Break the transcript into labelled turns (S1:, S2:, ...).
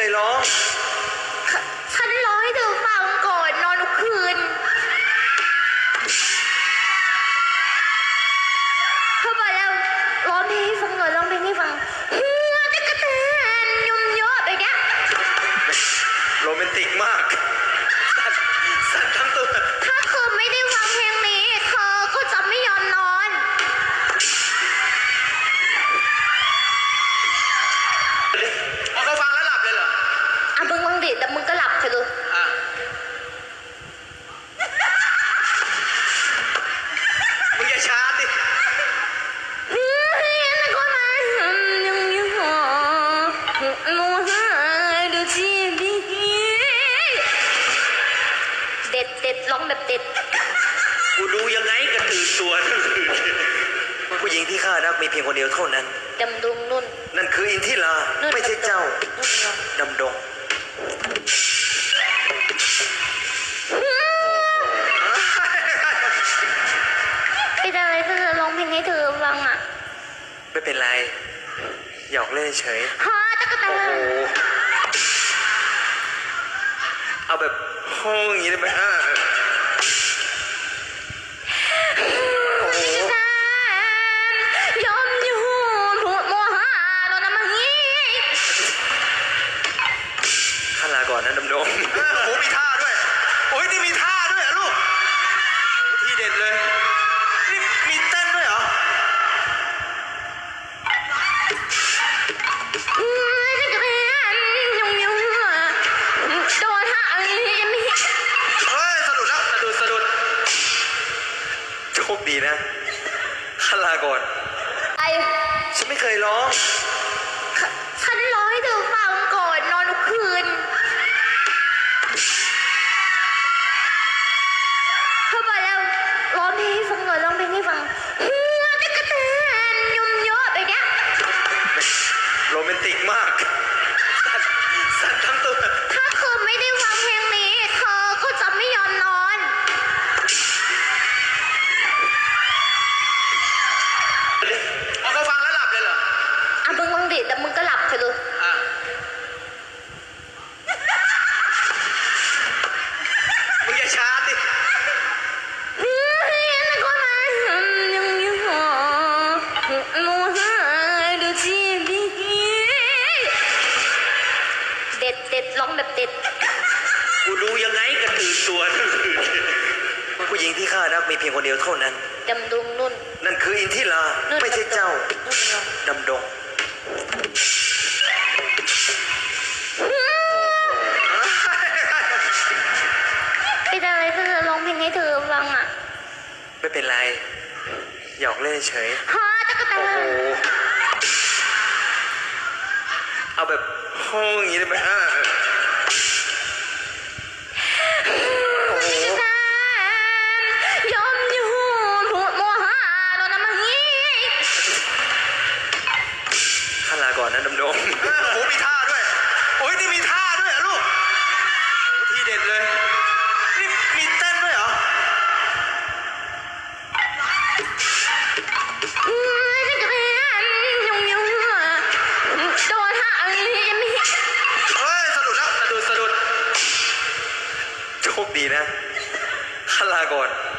S1: ร้อง
S2: ฉันร้องให้เธอฟังก่อนนอนทุกคืนเธอบอกแล้วร้องเพลงให้ฟังหน่อยร้องเพลงให้ฟังหัวตะกะแตนยุ่มเยอะไปเนี้ย
S1: โรแมนติกมากสั่นทั้งตัว
S2: ถ้าเธอไม่ได้ฟังเพลงนี้เธอก็จะไม่ยอมนอน
S1: เอาเขาฟังแล้วหลับเลยเหรอ
S2: มึงดิแต่มึงก็หลับไปเลย
S1: มึงอย่าช้าดิ
S2: เด็ดร้องแบบเด็ด
S1: กูดูยังไงก็ตื่นตัวทั้งคืนผู้หญิงที่ข้ารักมีเพียงคนเดียวเท่านั้น
S2: ดำดงนุ่น
S1: นั่นคืออินทิราไม่ใช่เจ้าดำดง
S2: เป็นอะไรถ้าเธอร้องเพลงให้เธอฟังอ่ะ
S1: ไม่เป็นไรหยอกเล่นเฉย
S2: ฮะตะกะแตน
S1: เอาแบบห้องอย่างนี้ได้ไหมข้าลาก่อนนะดำดงโอ้มีท่าด้วยโอ้ยนี่มีท่าด้วยลูกทีเด็ดเลยนี่มีเต้นด้วยเหรอ
S2: โดนท่าอันนี้ยังไม่
S1: สะดุดแล้วสะดุดโชคดีนะข้าลาก่อนฉันไม่เคยร้อง
S2: ฉันร้องให้เธอฟังก่อนนอนทุกคืนเธอบอกแล้วร้องเพลงให้ฟังหน่อยร้องเพลงให้ฟังหัวตะกะแตนยุ่มเยอะไปเนี้ย
S1: โรแมนติกมากสั่นทั้งตัว
S2: ถ้าเธอไม่ได้ฟังเพลงนี้เธอก็จะไม่ยอมนอน
S1: เอาเขาฟังแล้วหลับเลยเหรอ
S2: มึงดิแต่มึงก็หลับไปเลย
S1: มึงอย่าช้าดิ
S2: เด็ดร้องแบบเด็ด
S1: กูดูยังไงก็ตื่นตัวทั้งคืนผู้หญิงที่ข้ารักมีเพียงคนเดียวเท่านั้น
S2: ดำดงนุ่น
S1: นั่นคืออินทิราไม่ใช่เจ้าดำดง
S2: เป็นอะไรถ้าเธอร้องเพลงให้เธอฟังอ่ะ
S1: ไม่เป็นไรหยอกเล่นเฉย
S2: ฮะตะกะแตน
S1: เอาแบบห้องอย่างนี้ได้ไหมข้าลาก่อนนะดำดงโอ้มีท่าด้วยโอ้ยนี่มีท่าด้วยลูกทีเด็ดเลยนี่มีเต้นด้วยเหรอ
S2: โดนท่าอันนี้ยังไม่
S1: สะดุดแล้วสะดุดโชคดีนะข้าลาก่อน